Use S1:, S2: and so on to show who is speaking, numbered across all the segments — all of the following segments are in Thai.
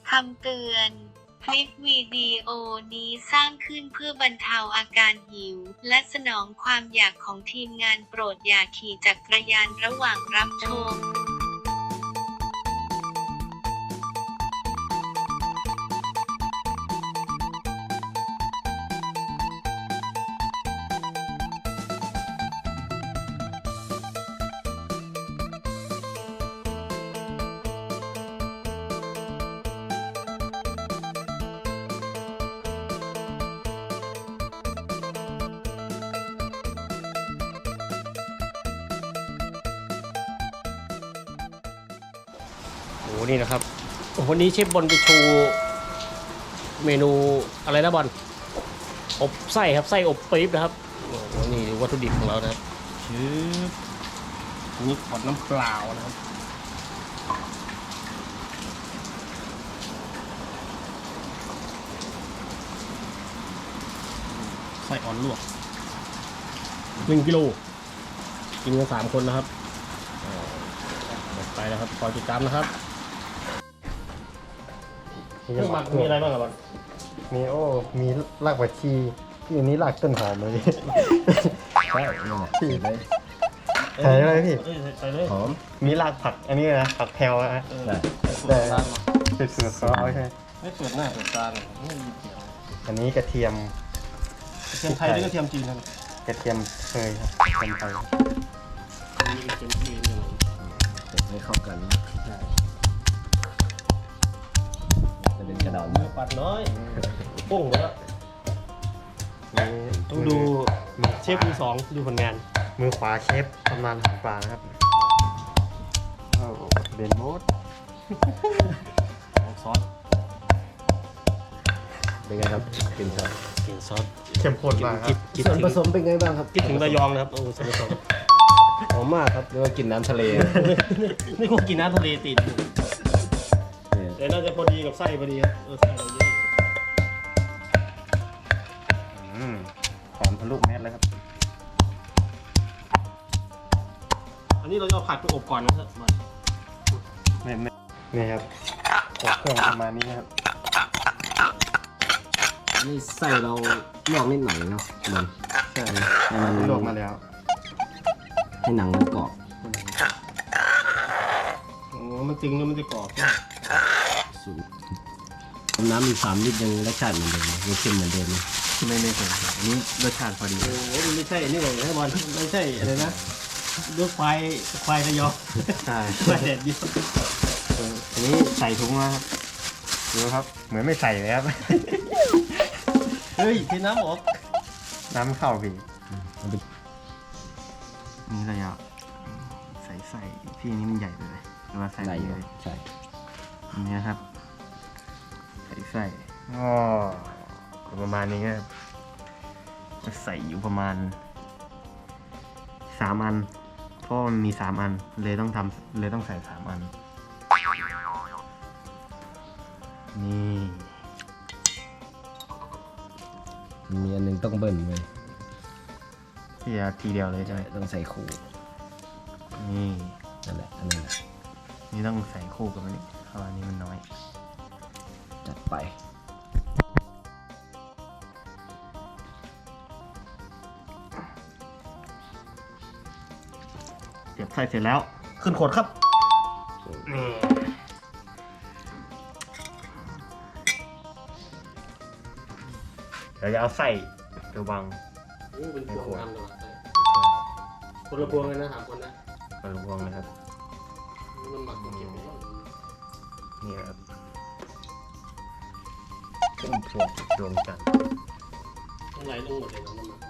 S1: คำเตือนคลิปวิดีโอนี้สร้างขึ้นเพื่อบรรเทาอาการหิวและสนองความอยากของทีมงานโปรดอย่าขี่จักรยานระหว่างรับชม
S2: โอ้นี่นะครับวันนี้เชฟบอลจะโชว์เมนูอะไรนะบอลอบไส้ครับไส้อบปี๊บนะครับโอ้โหนี่วัตถุดิบของเรานะครับชื่อนี่ขวดน้ำเปล่านะครับไส้อ่อนลวก1 กิโลกินกัน3 คนนะครับหมดไปแล้วครับคอยติดตามนะครับเครื่องหมักมีอะไรบ้างครับบอล
S3: มีมีรากผักชีที่อันนี้รากต้นหอมเลย
S4: ใช่นี่แหละ
S3: พี่
S4: เลย
S3: ใส่อะไรพี่
S2: ใส่เลย
S4: หอม
S3: มีรากผักอันนี้นะผักแพรวนะ
S4: ใช่
S3: แต่เป็นสูตรเขาใช่ไหม
S2: ไม่เปิดหน้าเปิดตาเลยไม่มีเกี่ยว
S3: อันนี้กระเทียม
S2: กระเทียมไทยหรือกระเทียมจีนครับ
S3: กระเทียมเคยครับกระเทียมไทย
S2: มีกระเทียมจีนอยู่
S4: เสร็จให้เข้ากันจะเป็นกระดาษ
S2: เนื้อปัดน้อยปุ้งแล้ว
S3: นี่
S2: ต้องดูเชฟมือ 2ดูผลงาน
S3: มือขวาเชฟทำนานปลานะครับโอ้เบนโมด
S2: ซอส
S4: เป็นไงครับกลิ่นซอส
S2: กลิ่นซอส
S3: เข้มข้นมากครับ
S2: คิด
S4: ส่วน
S2: ถึง
S4: ผสมเป็นไงบ้างครับ
S2: คิดถึงระยองนะครับโอ้ส่วนผสม
S4: หอมมากครับเรียกว่ากินน้ำทะเล
S2: นี่พวกกินน้ำทะเลติดอยู่แต่น่าจะพอดีกับไส้พอดีครับไส้เราเยอะ
S3: หอมทะลุแมสเลยครับ
S2: อันนี้เราจะเอาผัดไปอบก่อนนะครับ
S3: ไม่นี่ครับอบเครื่องประมาณนี้นะครับ
S4: นี่ใส่เราลวกนิดหน่อยเนาะมัน
S3: ใช่
S4: ให้มัน
S3: ลวกมาแล้ว
S4: ให้หนังมันกรอบ
S2: โอ้มันตึงแล้วมันจะกรอบ
S4: สูตรน้ำมี3 ลิตรยังรสชาติเหมือนเดิมไหมยังเค็มเหมือนเดิมไหม
S3: ไม่เคยอันนี้รสชาติพอดี
S2: โอ้โหมันไม่ใช่นี่เลยนะบอลไม่ใช่อะไรนะลูกควายระยอง
S3: ใช่
S2: ควายแดดเดียว
S3: อันนี้ใส่ถุงมาครับดูครับ เหมือนไม่ใส่เลยครับ
S2: เฮ้ยเทน้ำออก
S3: น้ำเข้าพี่
S4: เอาไป
S3: นี่เราอยากใส่พี่นี่มันใหญ่ไปเลยหรือว่าใส่
S4: ใส่
S3: ไปเลย
S4: ใช่
S3: อันนี้ครับ ใส่อ๋อประมาณนี้ครับจะใส่อยู่ประมาณ3 อัน เพราะมันมี3 อันเลยต้องใส่3 อัน นี่
S4: มีอันหนึงต้องเบิ่นเลย
S3: ที่จะทีเดียวเลยใช่
S4: ใช่
S3: ไหม
S4: ต้องใส่คู่
S3: นี่
S4: นั่นแหละอันนั้นแหละ
S3: นี่ต้องใส่คู่กับอันนี้เพราะอันนี้มันน้อย
S4: จัดไป
S3: เสียบไส้เสร็จแล้ว ขึ้นขวดครับนี่เดี๋ยวจะเอาไส้ไปวาง
S2: โอ้เป็นพวงงามเลยคนละพวงเลยนะ3 คนนะ
S3: ไปวางนะครับ
S2: มันหมักเก็บไว้ก่อน
S3: นี่ครับต้นพวงดวงจันทร์
S2: ต้องไหลลงหมดเลยนะมันหมัก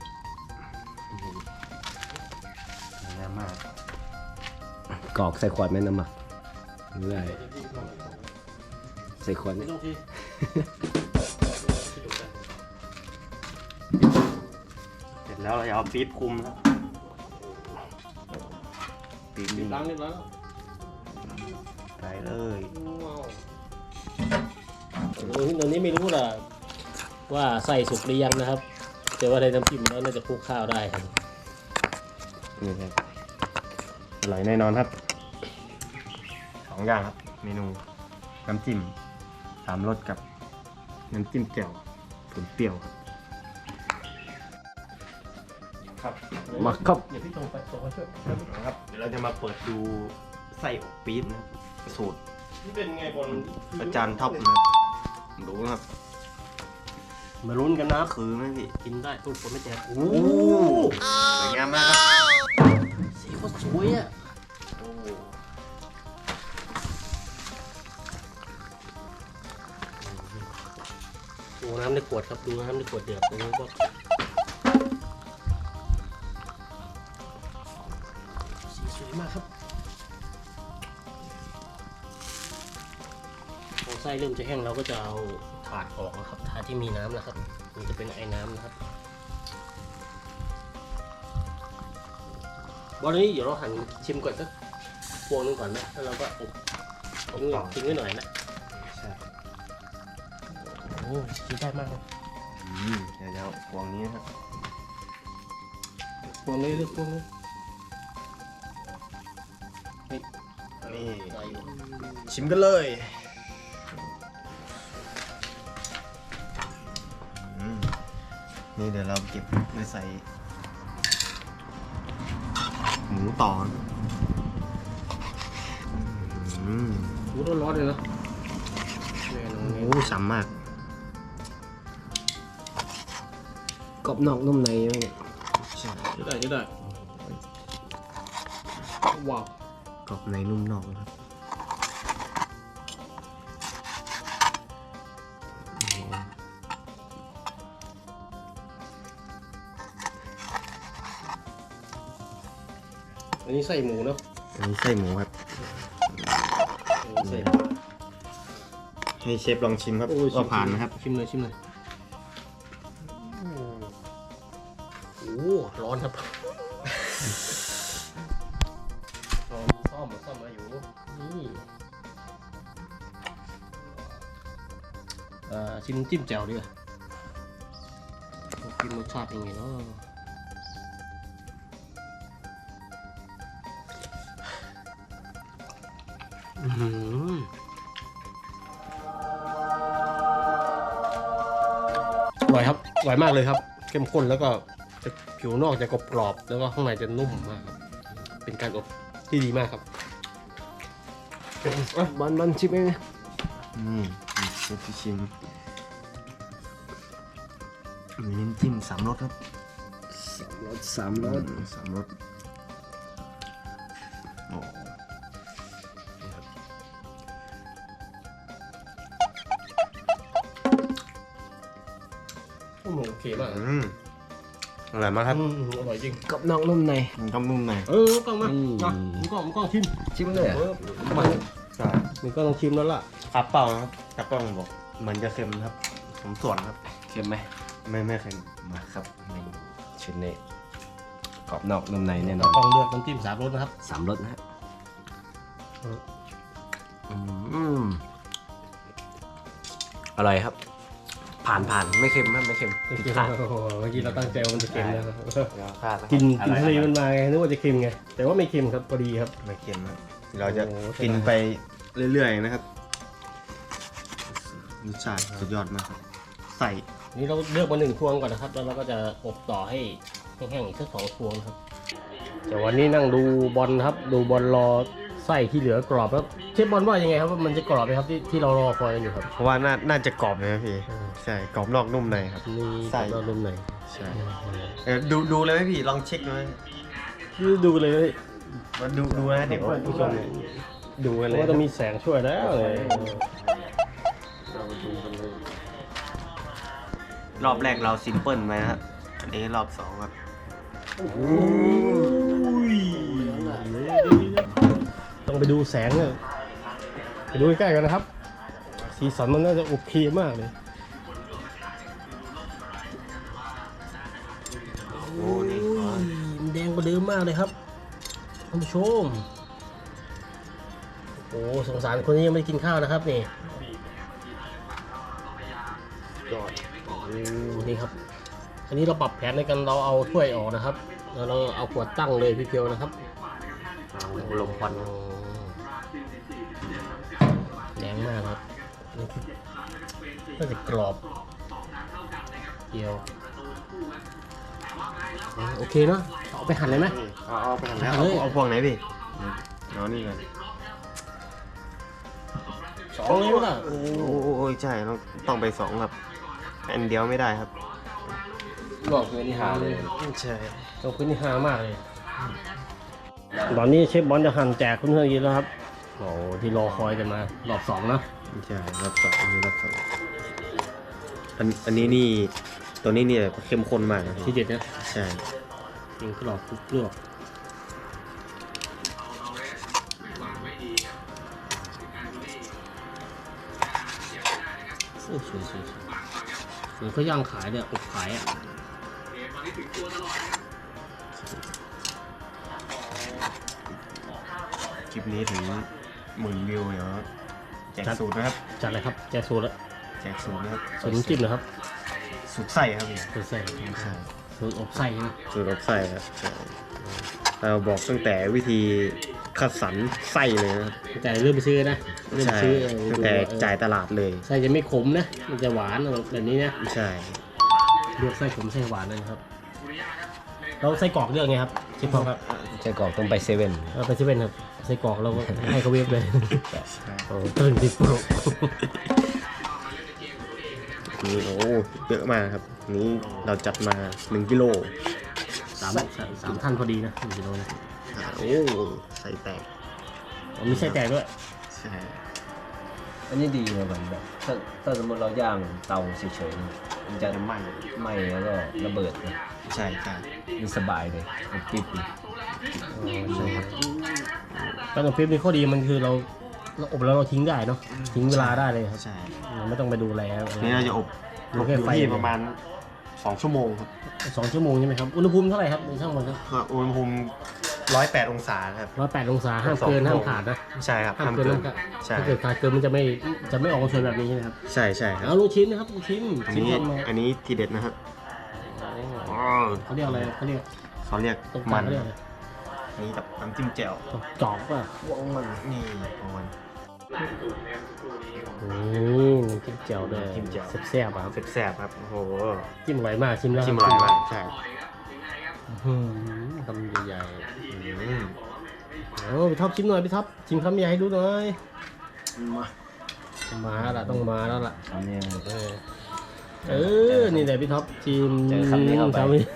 S3: งามมาก
S4: กรอกใส่ขวดแม่น้ำหมักเรื่อยใส่ขวด
S2: ไม่
S4: เนี่ย
S2: ต้องที่
S3: เสร็จแล้วเราจะเอาปี๊บคุมแล้วปี๊บนี่
S2: ล้างเรียบร้อยแล้ว
S3: ใส่เลย
S2: ว้าวตอนนี้ไม่รู้ล่ะว่าใส่สุกหรือยังนะครับแต่ว่าในน้ำจิ้มแล้วน่าจะคลุกข้าวได้ครับ
S3: นี่ครับอร่อยแน่นอนครับ2 อย่างครับ เมนูน้ำจิ้ม 3 รสกับน้ำจิ้มแจ่วผลเปรี้ยวครับ
S4: มาครับ
S2: เดี๋ยวพี่ตรงไปช่วย
S3: ครับเดี๋ยวเราจะมาเปิดดูไส้อบปี๊บนะสูตร
S2: นี่เป็นไงบอล
S3: อาจารย์ท็อปนะครับดูนะครับ
S2: มาลุ้นกันนะ
S3: คือไหมพี่
S2: กินได้ตู้คนไม่แจกโอ้
S3: โอ้สวยงามมากครับ
S2: สีโคตรสวยอ่ะโอ้น้ำในขวดครับดูน้ำในขวดเดือดตรงนี้ก็สีสวยมากครับพอไส้เริ่มจะแห้งเราก็จะเอาถาดออกนะครับถาดที่มีน้ำนะครับมันจะเป็นไอ้น้ำนะครับบอลนี้เดี๋ยวเราหั่นชิมก่อนสักพวงนึงก่อนนะแล้วเราก็อบทิ้งไว้หน่อยนะ
S3: ใช่
S2: โอ้กินได้มากเลย
S3: เดี๋ยวจะเอาพวงนี้นะครับ
S2: พวงนี้เลือกพวงนี้นี่
S3: นี่
S2: ได้อยู่
S3: ชิมกันเลยนี่เดี๋ยวเราเก็บไปใส่หมูต่อนะอืม
S2: หูร้อนๆเลยนะแน่นอน
S3: โอ้ฉ่ำมาก
S4: กรอบนอกนุ่มในเนี่ย
S3: ใช่
S2: จะได้ว้าว
S3: กรอบในนุ่มนอกนะครับ
S2: อันนี้ไส้หมูเนาะ
S3: อันนี้ไส้หมูครับ
S2: อันนี้ไส้
S3: ให้เชฟลองชิมครับ
S2: โอ้ย
S3: ว่าผ่านนะครับ
S2: ชิมเลยโอ้ร้อนครับลองซ่อมมาอยู่นี่ชิมจิ้มแจ่วดีกว่ากินรสชาติยังไงเนาะอร่อยครับอร่อยมากเลยครับเข้มข้นแล้วก็จะผิวนอกจะกรอบๆแล้วก็ข้างในจะนุ่มมากครับเป็นการอบที่ดีมากครับ
S4: บอลชิมเองนะ
S3: นี่เชฟจะชิมมีน้ำจิ้ม3 รสครับ
S4: สามรส
S3: 3 รสโอ้
S2: โอเคมาก
S3: อร่อยมากครับ
S2: อร่อยจริง
S4: กรอบนอกนุ่มใน
S3: มันก็นุ่มใน
S2: กล้องมามึงกล้องชิม
S4: ชิมเลยอ่ะ
S2: มา
S3: ใช่
S2: มึงก็ต้องชิมแล้วล่ะ
S3: ครับเปล่านะครับครับเปล่าบอกเหมือนจะเค็มนะครับผมส่วนครับ
S4: เค็มไหม
S3: ไม่เค็ม
S4: มาครับเมนูชิ้นนี้กรอบนอกนุ่มในแน่นอน
S2: ต้องเลือกน้ำจิ้ม3 รสนะครับ
S4: 3 รสนะฮะอร่อยครับ ผ่านไม่เค็มครับไม่เค็มผิดพลาด
S2: โอ้โหเมื่อกี้เราตั้งใจว่ามันจะเค็มนะ
S3: พลาดแล้ว
S2: กินทะเลมันมาไงนึกว่าจะเค็มไงแต่ว่าไม่เค็มครับพอดีครับ
S3: ไม่เค็มครับเราจะ
S2: โอ้โห
S3: กินไปเรื่อยๆนะครับรสชาติสุดยอดมากครับใส่
S2: นี่เราเลือกมา1 พวงก่อนนะครับแล้วเราก็จะอบต่อให้แห้งๆอีกสัก2 พวงครับแต่วันนี้นั่งดูบอลครับดูบอลรอไส้ที่เหลือกรอบครับเชฟบอลว่ายังไงครับว่ามันจะกรอบไหมครับที่เรารอคอยกันอยู่ครับ
S3: เพราะว่าน่าจะกรอบเลยนะพี่ใช่กรอบนอกนุ่มในครับ
S2: นี่
S3: ไส้
S2: เราลุ่มไหน
S3: ใช่ดูเลยไหมพี่ลองเช็คดูไหม
S2: ดูเลย
S3: มาดูนะเดี๋ยวผู้ชมดูกัน
S2: เพ
S3: เล
S2: ราะ
S3: ย
S2: ว่าจะมีแสงช่วยแล้วเลย
S3: รอบแรกเราซิมเพิลไปนะครับอันนี้รอบ2ครับ
S2: ต้องไปดูแสงเลยไปดูใกล้ๆกันนะครับ สีสันมันน่าจะโอเคมากเลย
S3: โอ้นี่
S2: มันแดงกว่าเดิมมากเลยครับท่านผู้ชมโอ้สงสารคนนี้ยังไม่ได้กินข้าวนะครับนี่ยอดนี่ครับ อันนี้เราปรับแผนในการเราเอาถ้วยออกนะครับ แล้วเราเอาขวดตั้งเลยพี่เพียวนะครับลมควันแรงมากครับน่าจะกรอบเดียวโอเคเนาะเอาไปหั่นเลยไหม
S3: เอาไปทำแล้ว
S2: เอาเลย
S3: เอาพวงไหนพี่เอานี่ก่อน
S2: 2เลยไหมล่ะ
S3: โอ้ยใช่ต้องไป2ครับอันเดียวไม่ได้ครับ
S4: บอกเพื่อนที่หาเลย
S3: ใช่
S2: ขอบคุณที่หามากเลยตอนนี้เชฟบอลจะหั่นแจกเพื่อนๆกินแล้วครับโอ้ที่รอคอยกันมารอบ2นะ
S3: ใช่รอบ2อันนี้รอบ2อันนี้นี่ตัวนี้เนี่ยเข้มข้นมากนะ
S2: ที่เด็ดนะ
S3: ใช่
S2: กินกรอบกรอบสวยเหมือนเขาย่างขายเนี่ยอบขายอ่ะ
S3: คลิปนี้ถึง10,000 วิวเดี๋ยวแจกสูตรนะครับ
S2: จัดเลยครับแจกสูตรแล้ว
S3: แจกสูตรนะครับ
S2: สูตรน้ำจิ้มนะครับ
S3: สูตรไส้ครับพี่
S2: สูตรไส้
S3: ใช่
S2: สูตรอบไส้นะ
S3: สูตรอบไส้ครับใช่เราบอกตั้งแต่วิธีคัดสรรไส้เลยนะครับ
S2: แต่เริ่มไปซื้อนะเริ่ม
S3: ใช่
S2: ซื้อ
S3: ตั้งแต่จ่ายตลาดเลย
S2: ไส้จะไม่ขมนะมันจะหวานแบบนี้นะ
S3: ใช่
S2: เลือกไส้ขมไส้หวานเลยนะครับเราไส้กรอกเลือกไงครับชิปพอครับ
S4: ใจกรอกต้องไปเซเว่น
S2: เราไปเซเว่นครับไส้กรอกเราก็ให้เขาเวฟเลย
S3: ใช่
S2: โอ้ตึงติดโปร
S3: นี่โอ้เยอะมากครับนี้เราจัดมา1 กิโล
S2: สามท่านพอดีนะ1 กิโลนะ
S3: โอ้ใส่แตก
S2: อ๋อมีไส้แตกด้วย
S3: ใช่
S4: อันนี้ดีนะมันแบบถ้าสมมติเราย่างเตาเฉยๆนะมันจะ
S3: ไหม้
S4: ไหม้แล้วก็ระเบิดนะ
S3: ใช่ใช่
S4: มันสบายเลยมันติดเลย
S3: ใช่ครับ
S2: การอบเฟรมมีข้อดีมันคือเราอบแล้วเราทิ้งได้เนาะทิ้งเวลาได้เลยครับ
S3: ใช่
S2: เราไม่ต้องไปดูแล
S3: นี่เราจะอบ
S2: ดูแค่
S3: อยู่
S2: ไฟ
S3: ที่ประมาณ2 ชั่วโมงครับ
S2: 2 ชั่วโมงใช่ไหมครับอุณหภูมิเท่าไหร่ครับในช่างมันครับ
S3: อุณหภูมิ108 องศาครับ
S2: 108 องศาห้ามเกินห้ามขาดนะ
S3: ใช่ครับ
S2: ห้ามเกินห้ามขาด
S3: ใช่
S2: ถ้าเกิดขาดเกินมันจะไม่ออกมาสวยแบบนี้ใช่ไหมครับ
S3: ใช่ใช่ครับ
S2: เอาลูกชิ้นนะครับลูกชิ้น
S3: อัน
S2: ชิ้น
S3: นี้
S2: ทำมา
S3: อันนี้ทีเด็ดนะครับ
S2: เขาเรียกอะไรเขาเรียก
S3: เขาเรียก
S2: ตรงก
S3: มั
S2: ลาง
S3: น
S2: เขาเรียกอะไร
S3: อันนี้กับน้ำจิ้มแจ่ว
S2: จอกป่ะ
S3: นี่ของมัน
S2: นี่น้ำจิ้มแจ่วด้วย
S3: น้ำจิ้มแจ่ว
S2: แซ่บๆอะครับ
S3: แซ่บๆครับโอ้โห
S2: จิ้มอร่อยมากชิมแล้ว
S3: ชิมอร่อยมากใช่
S2: คำใหญ่
S3: อืม
S2: ๆเอาพี่ท็อปชิมหน่อยพี่ท็อปชิมคำใหญ่ให้ดูหน่อยมาละต้องมาแล้วล่ะ
S4: อันนี้
S2: นี่แหละพี่ท็อปชิม
S4: เจอคำนี้เข้าไป
S2: คำนี้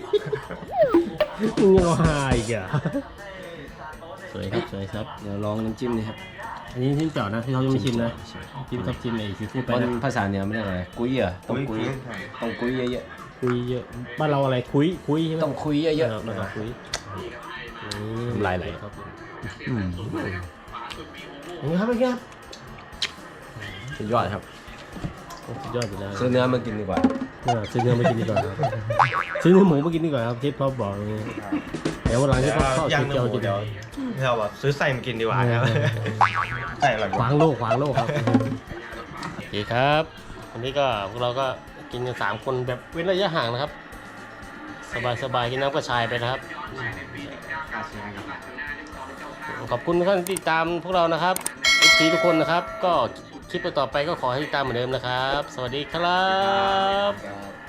S2: มึงยังเอาหายอีกเหรอสวยครับสวยครับ
S4: เดี๋ยวลองน้ำจิ้มนี่ครับ
S2: อันนี้จิ้มแจ่วนะพี่ท็อปยังไม่ชิมนะพี่ท็อปชิมไอ้ซีฟู้ดไป
S4: มัน
S2: นะ
S4: ภาษาเหนือไม่ได้อะไรกุ้ยเหรอต้องกุ้ยต้องกุ้ยเยอะ
S2: คุยเยอะบ้านเราอะไรคุยใช่ไหม
S4: ๆต้องคุยเยอะ
S2: นะครับคุย
S4: น้ำลายไหล
S2: ครับ
S4: ๆอืม
S2: อย่างนี้ครับเป็นไงครับ
S4: สุดยอดครับ
S2: สุดยอดอยู่แล้ว
S4: ซื้อเนื้อมากินดีกว่า
S2: ซื้อเนื้อมากินดีกว่าครับซื้อเนื้อหมูมากินดีกว่าครับเชฟท็อปบอกอย่างนี้เดี๋ยววันหลังเชฟท็อปเข้า
S3: ย่าง
S2: เจียว
S3: เนื้อหมู
S2: กิน
S3: เดี๋ยวเราแบบซื้อไส้มากินดีกว่าครับไส้อร่อยก
S2: ข
S3: ว่า
S2: วางโลกครับโอเคครับวันนี้ก็พวกเราก็กินกัน3 คนแบบเว้นระยะห่างนะครับ สบายกินน้ำกระชายไปนะครับ ขอบคุณทุกท่านที่ติดตามพวกเรานะครับทุกคนนะครับ ก็คลิปต่อไปก็ขอให้ติดตามเหมือนเดิมนะครับ สวัสดีครับ